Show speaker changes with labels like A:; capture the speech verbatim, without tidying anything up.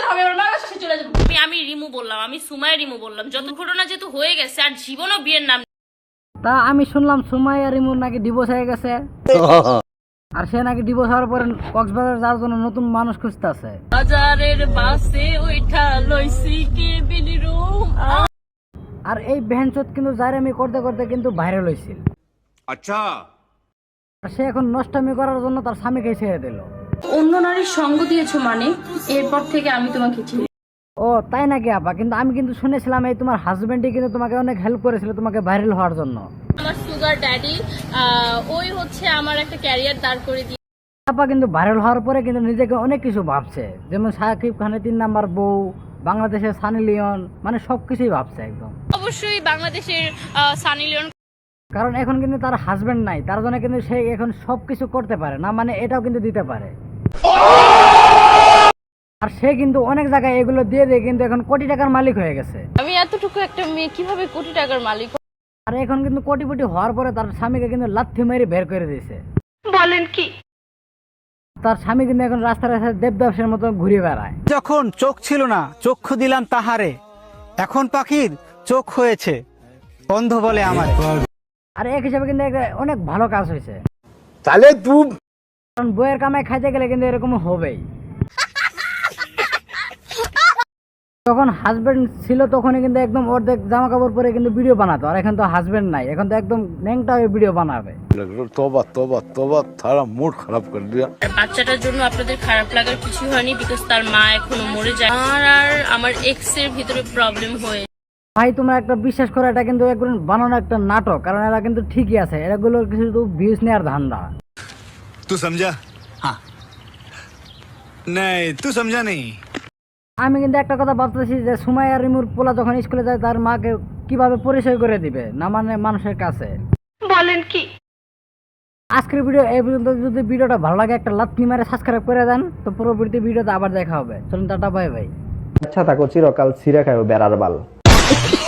A: হবে, আমার মার কাছে চলে যাবো।
B: আমি আমি রিমু বললাম, আমি সুমাইয়া রিমু বললাম। যত ঘটনা যেহেতু হয়ে গেছে আর জীবনও বিয়ের নাম।
C: তা আমি শুনলাম সুমাইয়া রিমুর নাকি ডিভোর্স হয়ে গেছে আর সে নাকি ডিভোর্স হওয়ার পরে কক্সবাজার যাওয়ার জন্য নতুন মানুষ খুঁজতেছে।
B: বাজারের বাসে ওইটা লইছি কেবিন রুম।
C: আর এই ভ্যানচোদ কিন্তু জাইরামি করতে করতে কিন্তু ভাইরাল হয়েছিল।
D: আচ্ছা,
C: আর সে এখন নষ্টামি করার জন্য তার স্বামীকে ছেড়ে দিল।
A: অন্য নারীর সঙ্গ দিয়েছো মানে এরপর থেকে আমি তোমাকে চিনি।
C: ও তাই নাকি আপা? কিন্তু আমি কিন্তু শুনেছিলাম এই তোমার হাজবেন্ডই কিন্তু তোমাকে অনেক হেল্প করেছিল তোমাকে ভাইরাল হওয়ার জন্য।
B: আমার সুগার ড্যাডি ওই হচ্ছে আমার একটা ক্যারিয়ার দাঁড় করে দিয়ে।
C: আপা কিন্তু ভাইরাল হওয়ার পরে কিন্তু নিজেকে অনেক কিছু ভাবছে, যেমন শাকিব খানের তিন নাম্বার বউ, বাংলাদেশের সানি লিওন, মানে সবকিছুই ভাবছে একদম।
B: অবশ্যই বাংলাদেশের সানি লিওন,
C: কারণ এখন কিন্তু তার হাজবেন্ড নাই, তার জন্য কিন্তু সে এখন সবকিছু করতে পারে না, মানে এটাও কিন্তু দিতে পারে। আর সে কিন্তু অনেক জায়গায় এগুলো দিয়ে দিয়ে কিন্তু এখন কোটি টাকার মালিক হয়ে গেছে।
B: আমি এতটুকু একটা মেয়ে কিভাবে কোটি টাকার মালিক?
C: আর এখন কিন্তু কোটিপতি হওয়ার পরে তার স্বামীকে কিন্তু লাথি মেরে বের করে দিয়েছে।
A: বলেন কি?
C: তার স্বামী কিন্তু এখন রাস্তায় রাস্তায় দেবদাসের মতো ঘুরে বেড়ায়।
E: যখন চোখ ছিল না চক্ষু দিলাম তাহারে, এখন পাখির চোখ হয়েছে অন্ধ বলে আমার।
C: আর এক হিসাবে কিন্তু একটা অনেক ভালো কাজ হয়েছে,
D: তাহলে তুই
C: কারণ বইয়ের কামাই খাইতে গেলে কিন্তু এরকম হবেই। যখন হাজবেন্ড ছিল তখনই কিন্তু একদম অর্ধেক জামা কাপড় পরে কিন্তু ভিডিও বানাতো, আর এখন তো হাজবেন্ড নাই, এখন তো একদম ন্যাংটা হয়ে ভিডিও বানাবে।
D: তোবা তোবা তোবা, তারা মুড খারাপ করে দিয়া।
B: বাচ্চাটার জন্য আপনাদের খারাপ লাগার কিছু হয়নি, বিকজ তার মা এখনো মরে যায়। আমার আর আমার এক্স এর ভিতরে প্রবলেম হয়ে।
C: ভাই তোমরা একটা বিশ্বাস করো, এটা কিন্তু একদম বানানো একটা নাটক, কারণ এরা কিন্তু ঠিকই আছে, এরাগুলো কিছু ভিউজ নেওয়ার ধান্দা।
F: तू समझा? हाँ नहीं तू समझा नहीं।
C: আমি কিন্তু একটা কথা ভাবতেছি যে সুমাইয়া রিমুর পোলা যখন স্কুলে যায় তার মাকে কিভাবে পরিচয় করে দিবে না, মানে মানুষের কাছে।
A: বলেন কি?
C: আজকের ভিডিও এই পর্যন্ত। যদি ভিডিওটা ভালো লাগে একটা লাথি মারে সাবস্ক্রাইব করে দেন, তো পরবর্তী ভিডিওতে আবার দেখা হবে। চলুন টাটা, বাই বাই।
G: আচ্ছা থাকো চিরকাল ছিঁড়ে খাইও বেড়ার বাল।